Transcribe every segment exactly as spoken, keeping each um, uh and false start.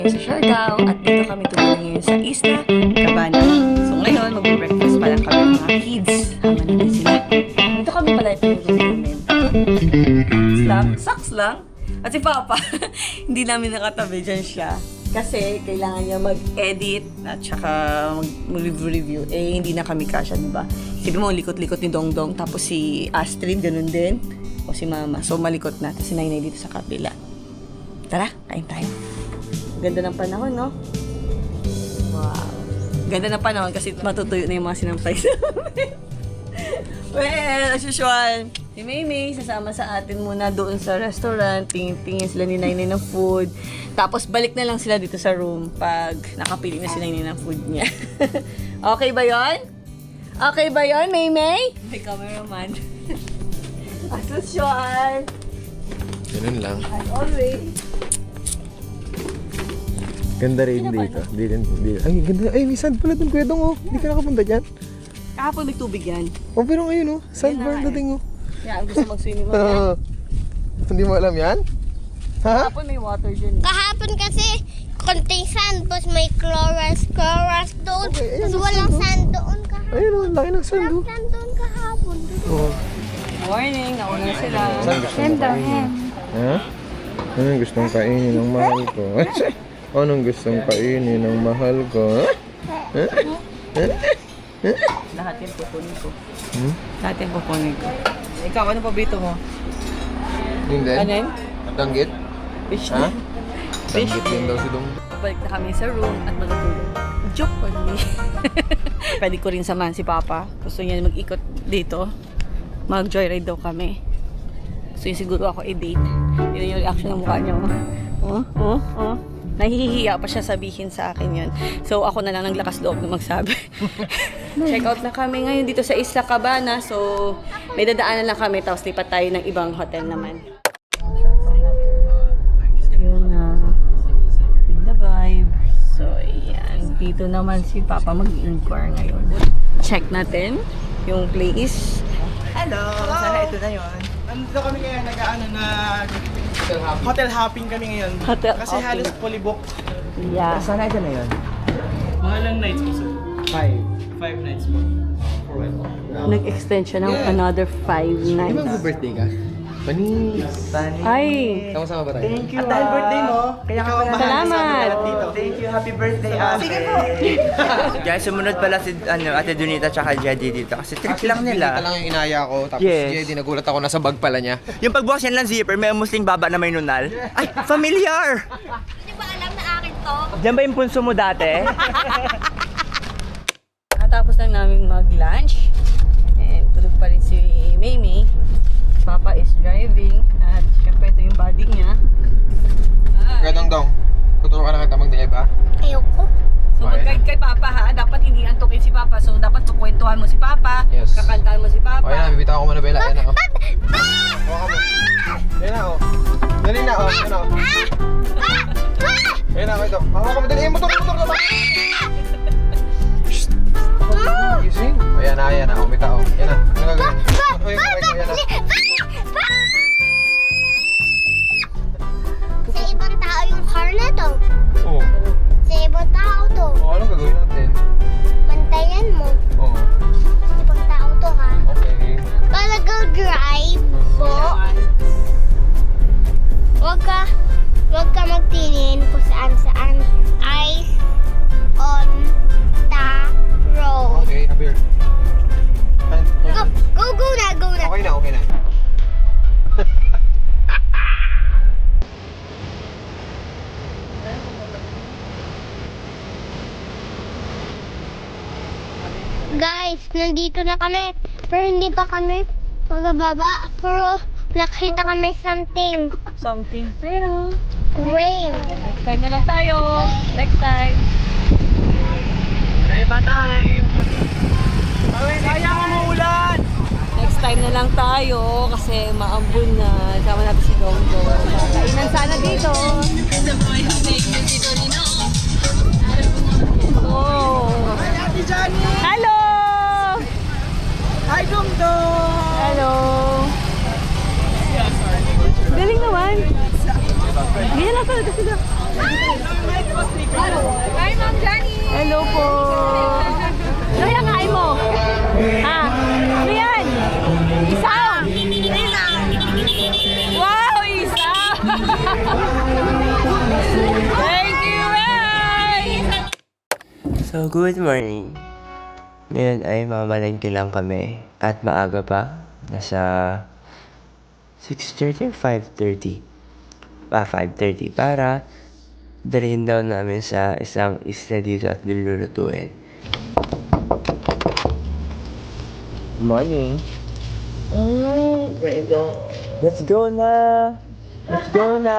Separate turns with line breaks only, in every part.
Sa Siargao at dito kami tumuloy ngayon sa Isla Cabana. So ngayon, mag-breakfast pa lang kami mga kids. Hama na din sila. Dito kami pala ito yung namin. Socks lang, socks lang. At si Papa, hindi namin nakatabi dyan siya. Kasi kailangan niya mag-edit at saka mag-review. Eh, hindi na kami kasya, diba? Sabi mo, likot-likot ni Dongdong. Tapos si Astrid, ganun din. O si Mama. So, malikot na. Tapos si Nainay dito sa kabila. Tara, kain tayo. Ganda ng panahon, no? Wow. Ganda ng panahon kasi matutuyo na yung mga sinampay namin. Well, as usual, si Maymay sasama sa atin muna doon sa restaurant. Tingin-tingin sila ni Nainay ng food. Tapos balik na lang sila dito sa room pag nakapili na si Nainay ng food niya. Okay ba yon? Okay ba yon, Maymay? May cameraman. As usual.
Ganun lang.
As always.
Ganda rin dito. Di rin, di. Ay, ganda. Ay, may sand pala dun, Kuya Dong, oh. Hindi ka nakapunta dyan.
Kahapon may tubig yan.
Oh, pero ngayon, oh. Sandbar
Yan na,
dating, oh.
Yeah, gusto mag-swimming mo yan.
Hindi mo alam yan? Ha?
Kahapon may water dyan.
Kahapon kasi konting sand, tapos may chloras, chloras doon.
Okay, ayan,
Tapos
ang
walang
sand, oh.
sand doon kahapon.
Ayun, oh. Laki ng sand,
Walang
oh.
sand doon kahapon.
Oh.
Morning, nauna sila.
Saan gusto mo kainin? Ha? Anong gustong kainin ng mahal ko? Anong gustong kainin ng mahal ko? Ha?
Lahat yan pupunin ko.
Hmm?
Lahat yan pupunin ko. Ikaw, ano paborito mo?
Yun din?
Ano yun?
Danggit?
Fish
Ha?
na. Fish
Danggit din daw si Dong.
Balik na kami sa room at matutulog. Joke on me. Pwede ko rin samahan si Papa. Gusto niya mag-ikot dito. Mag-joyride daw kami. Gusto niya siguro ako i-date. Yun yung reaction ng mukha niya. Oh, oh, oh. Nahihiya pa siya sabihin sa akin yun. So ako na lang naglakas loob na magsabi. Check out na kami ngayon dito sa Isla Cabana. So may dadaanan lang kami tapos lipat tayo ng ibang hotel naman. Yun na. With the vibe. So ayan. Dito naman si Papa mag-inquire ngayon. Check natin yung place.
Hello! Sana ito na yun. Nandito kami ngayon, nag-ano na hotel hopping kami ngayon.
Hotel
Kasi
hopping.
halos fully booked.
Yeah.
Sana ito na yun. Mga lang nights po sir? Five. Five nights po. For when?
Nag-extend siya ng another five
Di ba
nights.
mag-birthday ka? Panis!
Ay!
Sama-sama ba tayo?
Thank you. At dahil birthday mo, kaya ka pala
Salamat.
dito. Thank you. Happy birthday, ate. Sige po.
Guys, sumunod pala si ano, Ate Donita tsaka Jedi dito kasi trip lang
Ito
nila.
lang yung inaya ko. Tapos
Yes.
yes. Jedi, nagulat ako nasa bag pala niya.
Yung pagbukas yan lang zipper, may musling baba na may nunal. Ay, familiar!
Hindi ba alam na akin to?
Diyan ba yung punso mo dati?
Katapos lang namin mag-lunch. And tulog pa rin si Maymay. Papa is driving. At syempre ito yung body niya.
Kuya Dong Dong, tuturo ka na kita mag-drive, ha?
Ayoko.
So mag-guide kay Papa ha. Dapat hindi antukin si Papa. So dapat kukwentuhan mo si Papa.
Yes.
Kakantahan mo si Papa.
O yan na, bibitaw ko muna Bella. Ayan na, oh. Hawakan mo. Ayan na, oh. Dali na, oh. Ayan na, oh. Ayan na, ito. Hawakan mo, dali. Eh, motor, motor na ba? Shhh. Gising. Ayan na, ayan na. Oh, bitaw. Ayan na. Ano gagawin? Ayan na, ayan na.
Sa ibang tao yung car na to.
Oo.
Sa ibang tao to.
Oh, anong gagawin natin?
Bantayan mo.
Oo.
Sa ibang tao to ha.
Okay.
Pala go drive po. Huwag ka, huwag ka magtingin kung saan saan. Eyes on the road.
Okay, Javier.
Go, go, go na, go na.
Okay na, okay na.
Guys, nandito na kami. Pero hindi pa kami magababa. Pero nakita kami something.
Something. Pero
Rain.
next time na lang tayo. Next time.
Iba time. Ay, sayang umuulan.
Next time na lang tayo kasi maambun na. Sama natin si Dongdong. Kainan sana dito. Oh.
Ate Johnny.
Hello!
Hi, Dongdong.
Hello! Galing naman. Ganyan lang pala. Tapos sila.
So, good morning. Ngayon ay mamalengke lang kami. At maaga pa. Nasa six thirty or five thirty? Ah, five thirty. Para dalhin daw namin sa isang isla dito at lulutuin. Good morning. Mm, let's go na! Let's go na!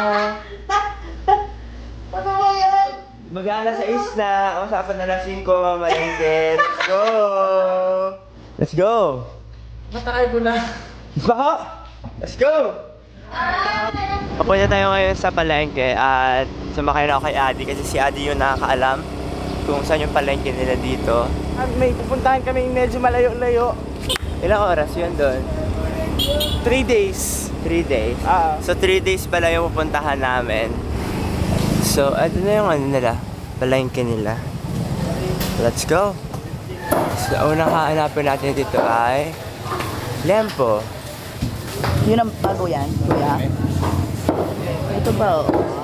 Mag-aala sa isla. Ang usapan na lang singko, mamalengke. Let's go! Let's go!
Matakay ko na.
Bako! Let's go! Papunta tayo ngayon sa palengke at sumakay na ako kay Adi kasi si Adi yung nakakaalam kung saan yung palengke nila dito.
At may pupuntahan kami medyo malayo-layo.
Ilang oras yun doon?
Three days.
Three days.
Ah.
So, three days pala yung pupuntahan namin. So, ito na yung ano nila, palengke nila. Let's go! So, unang hahanapin natin dito ay Lempo.
Yun ang bago yan, kuya. Ito ba, oh?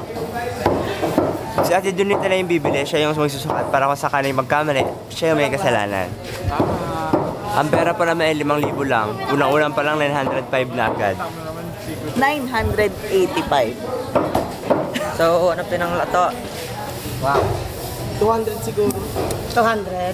Si Ate Donita na yung bibili, siya yung magsusukat para kung sakali magkamali, siya yung may kasalanan. Ang pera pa naman ay limang libo lang. Unang-unang pa lang nine hundred five na agad.
nine hundred eighty-five.
So, hanap din ng lato. Wow.
two hundred siguro.
two hundred.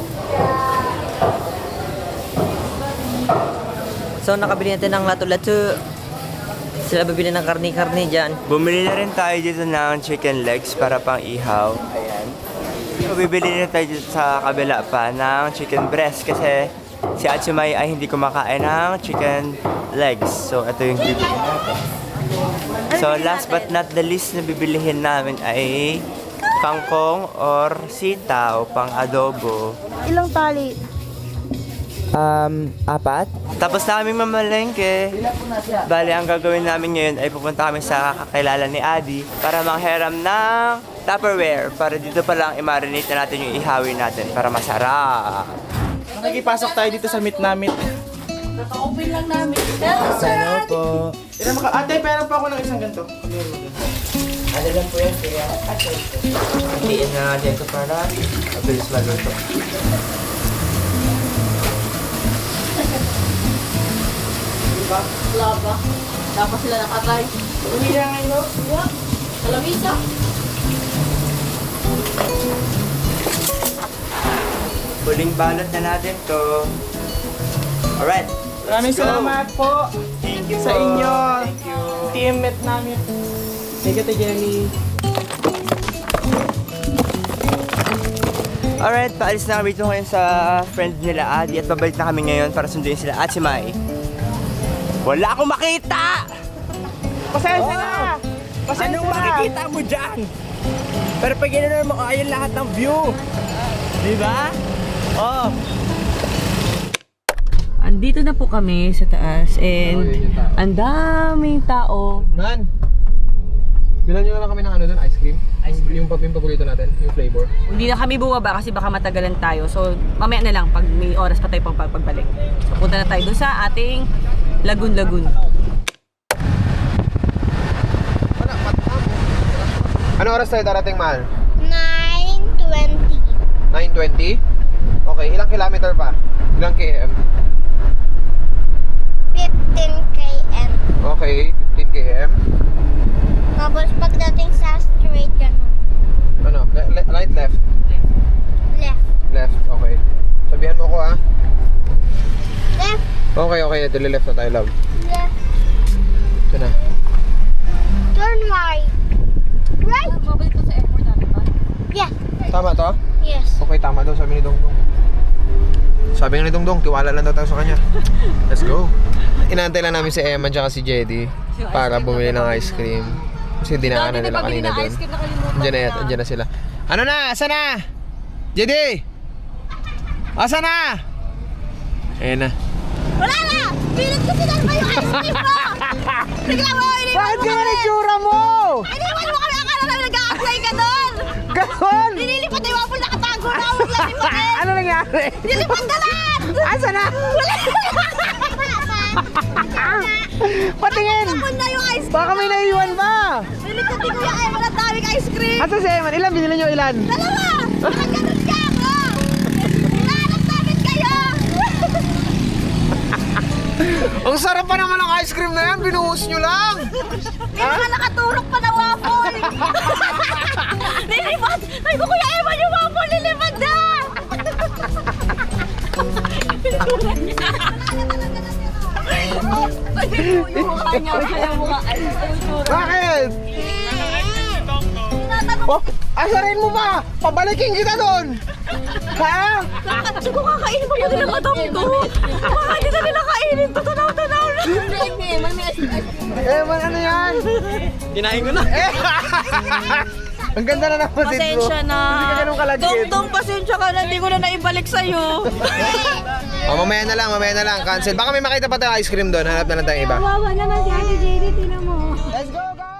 So, nakabili natin ng lato-lato. Sila bibili ng karni-karni dyan.
Bumili na rin tayo dito ng chicken legs para pang ihaw. Ayan. So, bibili na tayo dito sa kabila pa ng chicken breast kasi si Atsumay ay hindi kumakain ng chicken legs. So, ito yung bibili natin. So, last but not the least na bibilihin namin ay kangkong or sitaw pang adobo.
Ilang tali?
Um, apat. Tapos na kaming mamalengke. Bali, ang gagawin namin ngayon ay pupunta kami sa kakilala ni Adi para manghiram ng Tupperware para dito pa lang i-marinate na natin yung ihawin natin para masarap.
Nakikipasok tayo dito sa meet namin.
Naka-open lang namin.
Sana po.
Ira maka Ate, pera pa ako ng isang ganito.
Ano lang po yan, kaya hatiin na natin ito para mabilis maluto.
Wala ba? Dapat sila nakatay.
Umila ngayon.
Yeah. Kalamisa.
Huling balot na natin to. Alright.
Maraming
Let's go.
salamat po
Thank you
sa
po.
inyo.
Thank you.
Teammate namin. Thank you, Ate Jenny.
Alright, paalis na kami dito ngayon sa friend nila Adi at babalik na kami ngayon para sunduin sila at si Mai. Wala akong makita!
Pasensya na! Pasensya
Anong
na!
makikita mo dyan? Pero pag ginanon mo, ayun lahat ng view. Di ba? Oh.
Andito na po kami sa taas and ang daming tao.
Man! Bilan nyo na lang kami ng ano doon, ice cream? Ice cream? Yung, yung paborito natin, yung flavor.
Hindi na kami bumaba kasi baka matagalan tayo. So, mamaya na lang pag may oras pa tayo pang pagbalik. So, punta na tayo doon sa ating Lagun-Lagun.
Ano oras tayo darating, Mahal?
nine twenty.
nine twenty? Okay, ilang kilometer pa? Ilang km?
fifteen kilometers.
Okay, fifteen kilometers.
Tapos pagdating sa straight, ganun.
Ano? Le- le- right, left?
Left.
Left, okay. Sabihan mo ko ah.
Left.
Okay, okay. Ito, left na tayo, love.
Left.
Ito na.
Turn right. Right?
Mabalik ko sa airport namin ba?
Yeah.
Tama to?
Yes.
Okay, tama daw, sabi ni Dongdong. Sabi nga ni Dongdong, tiwala lang daw tayo sa kanya. Let's go. Inaantay lang namin si Emma at si Jedy para bumili ng ice cream. Kasi dinaanan nila kanina doon. Andiyan na, andiyan na sila. Ano na? Asa na? Jedy! Asa na? Ayan na.
Wala na! Pilit ko sinan mo yung ice cream ko! Bigla mo, iniwan
Bakit
mo
ka
kami!
nagtsura mo?
Iniwan mo kami! Akala namin nag-a-apply ka doon!
Ganon!
Nililipat na yung apple nakatago na! Huwag lang yung bakit!
Ano nangyari?
Nililipat na lahat!
Asa na?
Wala!
Patingin!
Tapon na yung ice cream!
Baka may naiwan pa!
Nililipat ni Kuya Eman ang daming ice cream!
Asa si Eman? Ilan? Binili nyo ilan?
Dalawa! Bakit ganun ka?
Ang sarap pa naman ng ice cream na yan, binuhos nyo lang!
May mga nakaturok pa na waffle! Lilipad! Ay ko Kuya Eman yung waffle! Lilipad na! Ay, yung mukha niya, yung mukha. Ay, yung tsura.
Bakit? Oh, asarin mo ba? Pabalikin kita doon! Ha?
Kasi kung kakainin pa ba nila madam to? Baka hindi na nila kainin to. Tanaw-tanaw na.
Eh, man, ano yan?
Kinain ko na.
Eh! Ang ganda na naman din, bro.
Pasensya na.
Hindi ka ganun kalagit.
Dong-dong, pasensya ka na. Hindi ko na naibalik sa'yo.
Oh, mamaya na lang, mamaya na lang. Cancel. Baka may makita pa tayo ice cream doon. Hanap na lang tayong iba.
Wawa naman si Ate J D, tinan mo.
Let's go, guys!